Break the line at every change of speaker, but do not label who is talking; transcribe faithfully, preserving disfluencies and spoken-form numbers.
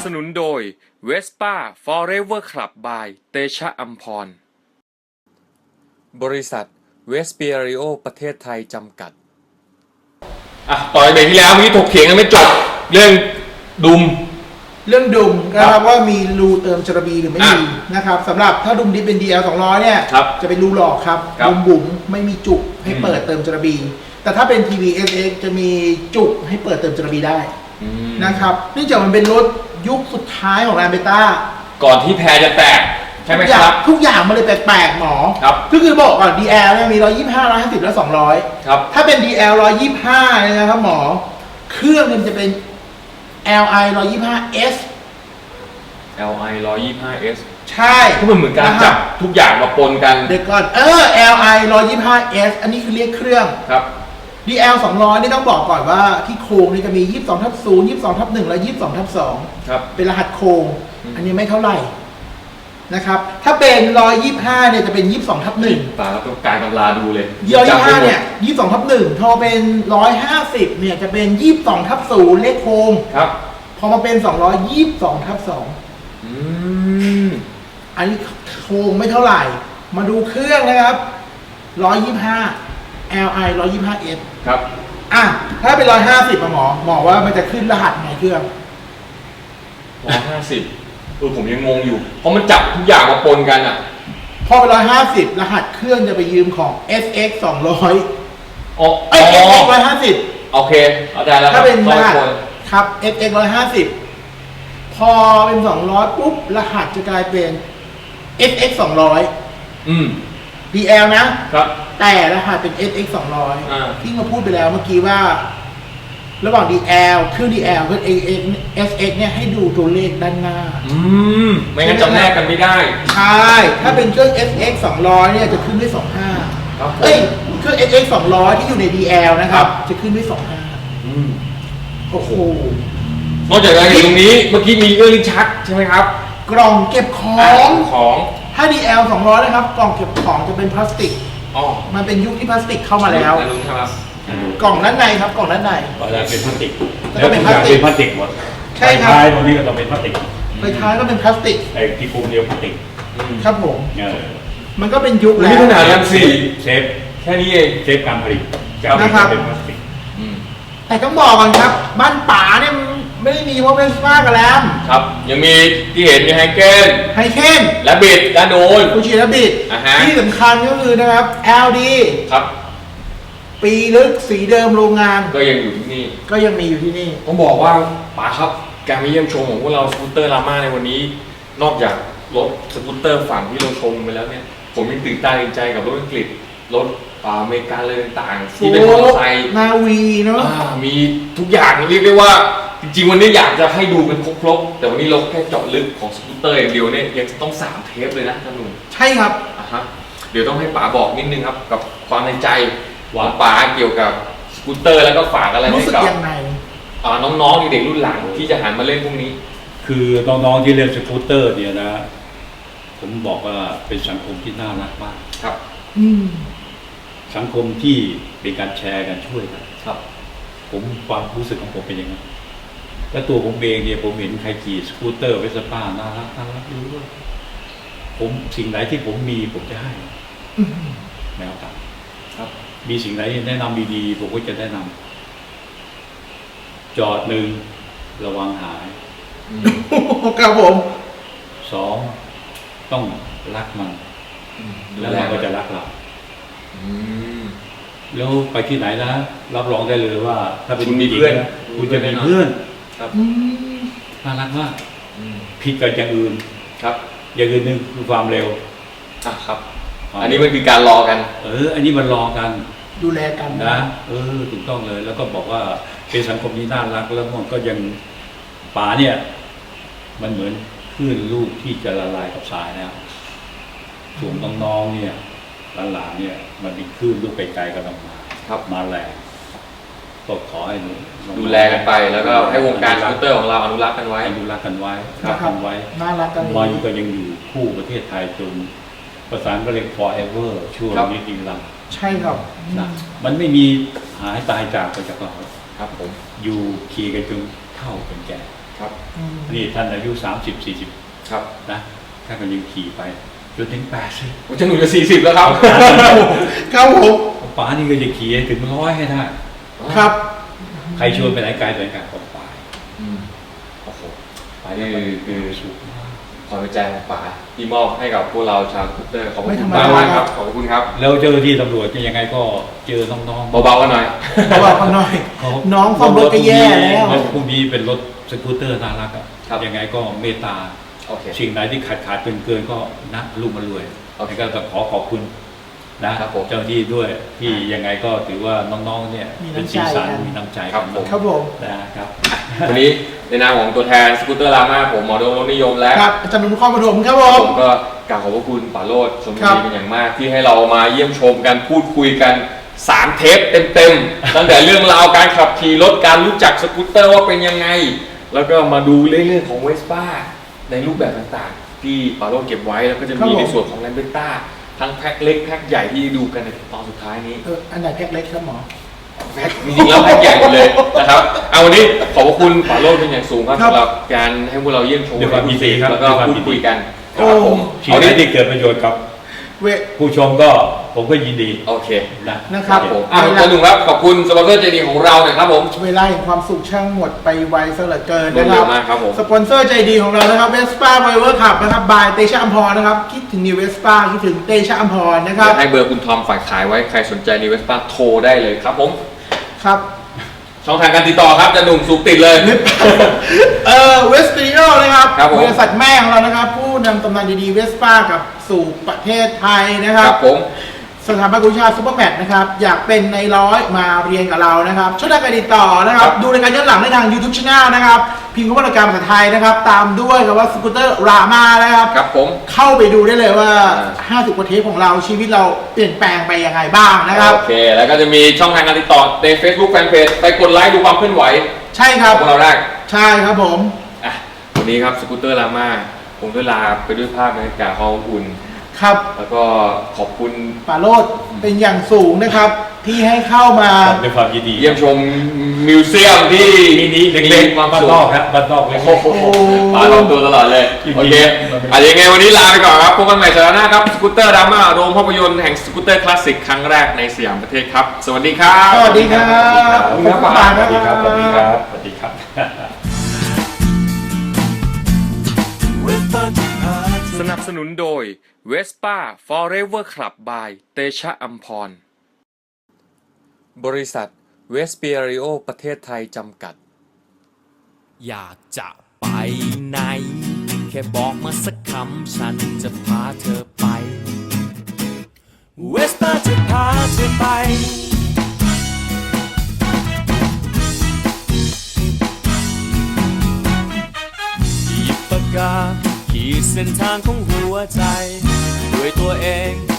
สนุนโดย Vespa Forever Club by เตชะอัมพรบริษัทเวสเปียริโอประเทศไทยจำกัดอ่ะต่อไปที่แล้วเมื่อกี้ถกเถียงกันไม่จบเรื่องดุม
เรื่องดุมนะครับว่ามีรูเติมจระบีหรือไม่มีนะครับสำหรับถ้าดุมดิเป็น ดี แอล สองร้อยเนี่ยจะเป็นรูหลอกครับดุมบุ๋มไม่มีจุกให้เปิดเติมจระบีแต่ถ้าเป็น ที วี เอส เอ็กซ์ จะมีจุกให้เปิดเติมจระบีได้นะครับเนื่องจากมันเป็นรถยุคสุดท้ายของแรมเบต้า
ก่อนที่แพรจะแตกใช่ไหมครับ
ทุกอย่างมันเลยแปลกๆหมอก็คือบอกก่อน ดี แอล เนี่ยมีหนึ่งร้อยยี่สิบห้า หนึ่งร้อยห้าสิบและสองร้อย
ครับ
ถ้าเป็น ดี แอล หนึ่งร้อยยี่สิบห้าเนี่ยนะครับหมอเครื่องมันจะเป็น แอล ไอ หนึ่งร้อยยี่สิบห้า เอส
แอล ไอ หนึ่งร้อยยี่สิบห้า เอส
ใช่
ก็เหมือนการจับทุกอย่างมาปนกัน
เดี๋ยวก่อนเออ แอล ไอ หนึ่งร้อยยี่สิบห้า เอส อันนี้คือเรียกเครื่อง
ครับ
ดี แอล สองร้อย นี่ต้องบอกก่อนว่าที่โครงนี่จะมี ยี่สิบสองทับศูนย์ ยี่สิบสองทับหนึ่ง และ ยี่สิบสองทับสอง
ครับเป็น
รหัสโครงอันนี้ไม่เท่าไหร่นะครับถ้าเป็นหนึ่งร้อยยี่สิบห้าเนี่ยจะเป็น ยี่สิบสองทับหนึ่ง
ตาต้องการตำราดูเลย
หนึ่งร้อยยี่สิบห้าเนี่ย ยี่สิบสองทับหนึ่ง พอเป็นหนึ่งร้อยห้าสิบเนี่ยจะเป็น ยี่สิบสองทับศูนย์ เลขโครง
ครับ
พอมาเป็นสองร้อยยี่สิบสองทับสอง
อืม
อันนี้โครงไม่เท่าไหร่มาดูเครื่องนะครับหนึ่งร้อยยี่สิบห้า แอล ไอ หนึ่งร้อยยี่สิบห้า เอส
ครับ
อ่ะถ้าเป็นหนึ่งร้อยห้าสิบหมอหมอว่ามันจะขึ้นรหัสไงเครื่อง
หนึ่งร้อยห้าสิบเออผมยังงงอยู่เพราะมันจับทุกอย่างมาปนกันอ่ะ
พอเป็นหนึ่งร้อยห้าสิบรหัสเครื่องจะไปยืมของ เอส เอ็กซ์ สองร้อย
อ๋อ
เอ้ย เอส เอ็กซ์ หนึ่งร้อยห้าสิบ
โอเคเข้าใจแล้ว
ถ้าเป็นรหัสครับ เอส เอ็กซ์ หนึ่งร้อยห้าสิบพอเป็นสองร้อยปุ๊บรหัสจะกลายเป็น เอส เอ็กซ์ สองร้อย
อืม
ดี แอล นะครับแต่รหัสเป็น เอส เอ็กซ์ สองร้อย
อ่า
ที่เราพูดไปแล้วเมื่อกี้ว่าระหว่าง ดี แอล เครื่อง ดี แอล กับ เอ เอส เอ็กซ์ เนี่ยให้ดูตัวเลขด้านหน้า
อืมไม่งั้นจำแนกกันไม่ได้
ใช่ถ้าเป็นเครื่อง เอส เอ็กซ์ สองร้อยเนี่ยจะขึ้นด้วยสองห้า
ครับ
เอ้ยเครื่อง เอส เอ็กซ์ สองร้อยที่อยู่ใน ดี แอล นะครับจะขึ้นด้วยสองห้า
อืม
โอ้โห
นอกจากนั้นตรงนี้เมื่อกี้มีเอื้อลิ้นชักใช่ไหมครับ
กล่องเก็บของ
ของ
ถ้า ดี แอล สองร้อยนะครับกล่องเก็บของจะเป็นพลาสติกอ๋อมันเป็นยุคที่พลาสติกเข้ามาแล้ว
ครับ
กล่องด้านในครับกล่องด้านใน
ก็จะเป็นพลาสติก
แล้วเป็นพลาสติก
เป็นพลาสติกหมด
ใช่ครับ
ท้ายตรงนี้ก็ต้องเป็นพลาสติก
ไฟท้ายก็เป็นพลาสติก
ไอ้ที่คุมเดียวพลาสติก
ครับผมมันก็เป็นยุคแล้ว
นี่ขนาดยังสี่
เชฟ
แค่นี้เอง
เชฟการผลิต
นะครับ
เป็นพลาสติก
แต่ต้องบอกก่อนครับบ้านป๋าเนี่ยไม่ได้มีว่าเป็นสปากับแรม
ครับยังมีที่เห็นมีไฮเกน
ไฮเกน
และบิดและโดน
ฟูจิและบิดที่สำคัญก็คือนะครับ แอล ดี
ครับ
ปีลึกสีเดิมโรงงาน
ก็ยังอยู่ที่นี่
ก็ยังมีอยู่ที่นี่
ต้องบอกว่าป๋าครับการมาเยี่ยมชมของพวกเราสกูตเตอร์ลาม่าในวันนี้นอกจากรถสกูตเตอร์ฝั่งที่เราชมไปแล้วเนี่ยผมยังตื่นตาตื่นใจกับรถอังกฤษรถอเมริกันเลยต่างๆที่เป็นมอเตอร์ไซค์
นาวีเนาะ
มีทุกอย่างเรียกได้ว่าจริงๆวันนี้อยากจะให้ดูเป็นครบๆแต่วันนี้เราแค่เจาะลึกของสกูตเตอร์อย่างเดียวเนี่ยยังต้องสามเทปเลยนะท่านหนุ่ม
ใช่ครับ
อ่ะฮะเดี๋ยวต้องให้ป๋าบอกนิดนึงครับกับความในใจว่าป๋าเกี่ยวกับสกูตเตอร์แล้วก็ฝากอะไรให้กับน้องๆเด็กๆรุ่นหลังที่จะหันมาเล่นพวกนี้
คือน้องๆที่เล่นสกูตเตอร์เนี่ยนะผมบอกว่าเป็นสังคมที่น่ารักมาก
ครับ
สังคมที่เป็นการแชร์กันช่วยกัน
ครับ
ผมความรู้สึกของผมเป็นอย่างนั้นและตัวผมเองเนี่ยผมเห็นใครขี่สกูตเตอร์เวสป้าน่ารักน่ารักดูว่าผมสิ่งไหนที่ผมมีผมจะให้แนวทาง
ครับ
มีสิ่งไหนแนะนำดีๆผมก็จะแนะนำจอดหนึ่งระวังหาย
ครับผม
สองต้องรักมันแล้วมันก็จะรักเราแล้วไปที่ไหนนะรับรองได้เลยว่าถ้าเป็น
มีเพื่อน
คุณจะมีเพื่อน
ครับ
น่ารักมากผิดกับอย่างอื่น
ครับ
อย่างอื่นหนึ่งคือความเร็ว
อ่ะครับอันนี้มันคือการรอกัน
เอออันนี้มันรอกัน
ดูแลกัน
นะเออถูกต้องเลยแล้วก็บอกว่าเป็นสังคมที่น่ารักแล้วมันก็ยังป่าเนี่ยมันเหมือนคลื่นลูกที่จะละลายกับทรายแล้วส่วนน้องๆเนี่ยหลานๆเนี่ยมันมีคลื่นลูกไกลๆกำลังมา
ครับ
มาแรงก็ขอให้
ดูแลกันไปแล้วก็ให้วงการสกูตเตอร์ของเราอนุรักษ์กันไว้
อนุรักษ์กันไว้รักกันไว้
น่ารักกัน
มาอยู่ก็ยังอยู่คู่ประเทศไทยจนประสานก็เรียก forever ช่วงนี้จริงๆ
ใช่ครับ
นะมันไม่มีหายตายจากไปจากเรา
ครับผม
อยู่ขี่กันจนเฒ่าจนแก่
ครับ
อืม
นี่ท่านอายุสามสิบสี่สิบ
ครับ
นะท่านก็ยังขี่ไปจนถึงแปดสิบ
ผมจะหนุ่มจะสี่สิบแล้วครับ
ครับผม
ป๋านี่ก็จะขี่ให้ถึงร้อยให้ได้
ครับ
ใครชวนไปไหนไกลไปกันของป๋า
อืมโอ้โห
ป๋านี่คือคือสุขมาก
ความเป็นใจของป๋าที่มอบให้กับพวกเราชาวสกูตเตอร์ขอบคุณ
ไม่ธรรม
ป๋า
ดา
มากครับขอบคุณครับ
แล้วเจ้าหน้าที่ตำรวจจะยังไงก็เจอน้องๆ
เบาๆกันหน่อย
บอกกันหน่อย
เขา
น้องซ่อมรถก็แย่แล้ว
รถพวกนี้เป็นรถสกูตเตอร์น่ารักอ่ะ
ครับ
ยังไงก็เมตตา
โอเค
สิ่งไหนที่ขาดขาดเกินเกินก็นะลูกมารวย
โอเค
แล้วก็ขอขอบคุณนะครับ
ผม
เจ้าหน้าที่ด้วยที่ยังไงก็ถือว่าน้องๆเนี่ย
มี
เป็น
น้ำใจ
สีสัน
กัน
มีน้ำใจ
ครับ
กัน
ผม
ครับผม
นะครับ
วันนี้ในนามของตัวแทนสกูตเตอร์รามาผมหมอโดมรถนิยมและ
ครับอาจารย์หนุ่มนครปฐมครับผ
ผม มก็กราบขอบพระคุณป๋าโรจน์ชม
ครั
ดี
บ
เป็นอย่างมากที่ให้เรามาเยี่ยมชมกันพูดคุยกันสามเทปเต็มๆ ตั้งแต่เรื่องราวการขับขี่รถการรู้จักสกูตเตอร์ว่าเป็นยังไง แล้วก็มาดูเรื่องของเวสป้าในรูปแบบต่างๆ ที่ป๋าโรจน์เก็บไว้แล้วก็จะมีในส่วนของแลมเบต้าทั้งแพ็คเล็กแพ็คใหญ่ที่ดูกันในตอนสุดท้ายนี้
เอออันไหนแพ็คเล็กครับหมอ
แพ็คจริงๆแล้วแพ็คใหญ่หมดเลยนะครับเอาวันนี้ขอบพระคุณป๋าโรจน์เป็นอย่างสูงครับ
ครับ
สำหรับการให้พวกเราเยี่ยมชม
ด้วยความยินดีครับ
แล้วก็
ด้วยความ
พูด
ยินดี
คุยกัน
โอ้
นะครับผม
สิ่ง
เอา
ไหน
นี้
ที่เกิดประโยชน์กับ
เว
ผู้ชมก็ผมก็ยินดี
โอเค
นะ
นะครับ
ผมอ่ะอาจารย์หนุ่มครับขอบคุณสปอนเซอร์ใจดีของเราหน่อยครับผม
เวลาแห่งความสุขช่างหมดไปไวซะเหลือเกิน
รวด
นะค
เร็
รั
ว
บ
มากครับผม
สปอนเซอร์ใจดีของเรานะครับเวสป้าไวเวอร์ขับนะครับบายเตชะอัมพรนะครับคิดถึงนิวเวสป้าคิดถึงเตชะอัมพรนะค
เดี๋
รั
ย
บ
วให้เบอร์คุณทอมฝ่ายขายไว้ใครสนใจในเวสป้าโทรได้เลยครับผม
ครับ
ช่องทางการติดต่อครับอาจะหนุ่มสูบติดเลย
เออเวสติโอนะครับ
ครับผม
บริษัทแม่ของเรานะครับ ผู้นำตำนานดีๆเวสป้ากับสู่ประเทศไทยนะค
ค
รั
รับ บผม
สถาบันกุชาซูเปอร์แมทนะครับ อยากเป็นในร้อยมาเรียนกับเรานะครับช่องทางการติดต่อนะครับ ดูรายการย้อนหลังได้ทาง YouTube Channel นะครับ พิมพ์คำว่ารายการภาษาไทยนะครับ ตามด้วยคำว่าสกูตเตอร์รามานะครับ
ครับผม
เข้าไปดูได้เลยว่า
อ่า
ห้าสิบกว่าเทปของเราชีวิตเราเปลี่ยนแปลงไปยังไงบ้างนะครับ
โอเค แล้วก็จะมีช่องทางการติดต่อใน Facebook Fanpage ไปกดไลค์ดูความเคลื่อนไหว
ใช่ค
ข
รั
อบ งพวกเราได้
ใช่ครับผม
อ่ะวันนี้ครับสกูตเตอร์รามาผมก็ลาไปด้วยภาพบรรยากาศความอบอุ่น
ครับ
แล้วก็ขอบคุณ
ปาโรดเป็นอย่างสูงนะครับ ที่ให้เข้ามา
ด้วยความยินดี
เยี่ยมชมมิวเซียมที่
มินิเล็กๆ
ความ
บ้าน
สุข
นอกครับบ้านนอกเล็ก
โอ้โหมาลองตัวตลอดเลย
จริงๆ
โอเค
มันเป็น
อ่ะยังไงวันนี้ลาไปก่อนครับพบกันใหม่สัปดาห์หน้าครับสกูตเตอร์ดราม่าโรงภาพยนตร์แห่งสกูตเตอร์คลาสสิกครั้งแรกในสยามประเทศครับ สวัสดีครับ
สวัสดีครับ
ขอบคุณครับ
ขอบคุณ
ป๋า
ๆสวัสดีครับสวัสดีครับสวัสดีครับ
สนับสนุนโดย Vespa Forever Club by เตชะอัมพร บริษัทเวสเปียริโอประเทศไทยจำกัด
อยากจะไปไหน แค่บอกมาสักคำฉันจะพาเธอไป เวสป้าจะพาเธอไป หยิบปากกาขีดเส้นทางของหัวใจ ด้วยตัวเอง